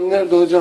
Benim nerede hocam?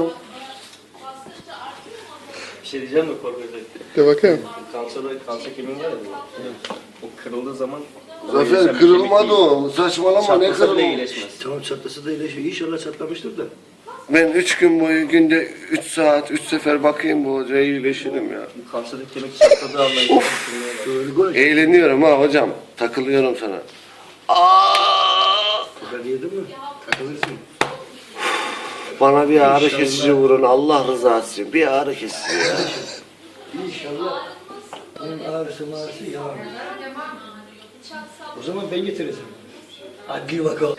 Bir şey diyeceğim de korkacak. De bakayım. Kanser kemiği var ya. O kırıldığı zaman... Zafer kırılmadı o. Saçmalama ne Çatlasa bile kırılma. iyileşmez. Tamam çatlasa da iyileşiyor. İnşallah çatlamıştır da. Ben 3 gün boyu günde 3 saat 3 sefer bakayım bu hocaya iyileşirim ya. Kanserdeki kemik çatladığı anda... Öyle gol. Eğleniyorum ha hocam. Takılıyorum sana. Aa! Kadar yedin mi? Takılırsın. Bana bir ağrı kesici vurun Allah rızası için. Bir ağrı kesici ya. İnşallah. Benim ağrısı yalan. O zaman ben getireceğim. Hadi bakalım.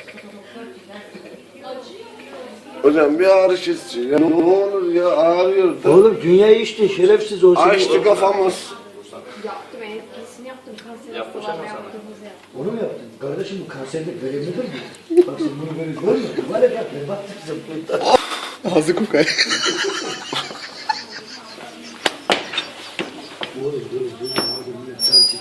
Hocam bir ağrı kesici. Ya ne olur ya ağrıyor da. Oğlum dünyayı içtin şerefsiz olsun. Açtı kafamız. Yaptım, etkisini yaptım. Kanser Yapmış hastalarına ama sana. yaptığımızı yaptım. Onu mu yaptın? Kardeşim bu kanserlik verimlidir mi? Bak sen bunu böyle görmedin. Var ya bak ben baktım sen. Ağzı kokay. Oğlum dur. Hadi millet can çek.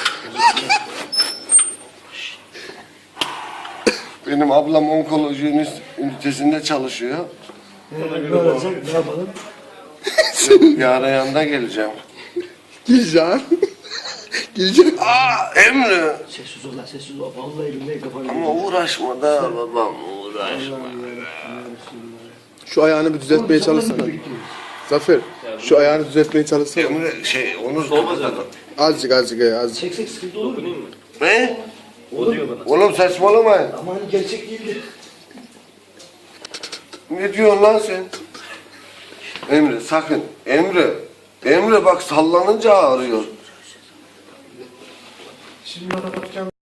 Benim ablam onkoloji ünitesinde çalışıyor. Ne olacak? Ne yapalım? Yarın yanına geleceğim. Gireceğim. Gireceğim. Aa Emre. Sessiz ol lan sessiz ol. Vallahi elimde kafanı. Ama uğraşma da babam uğraşma. Şu ayağını bir düzeltmeye çalışsana. Zafer, şu ayağını düzeltmeye çalışsana. Emre onu Soğumaz yani. Azıcık. Çeksek sıkıntı olur mu? Dokunayım mı? Ne? O diyor bana. Oğlum saçmalamayın. Ama hani gerçek değildi. Ne diyorsun lan sen? Emre sakın. Emre bak sallanınca ağrıyor. Şimdi bana bakacağım.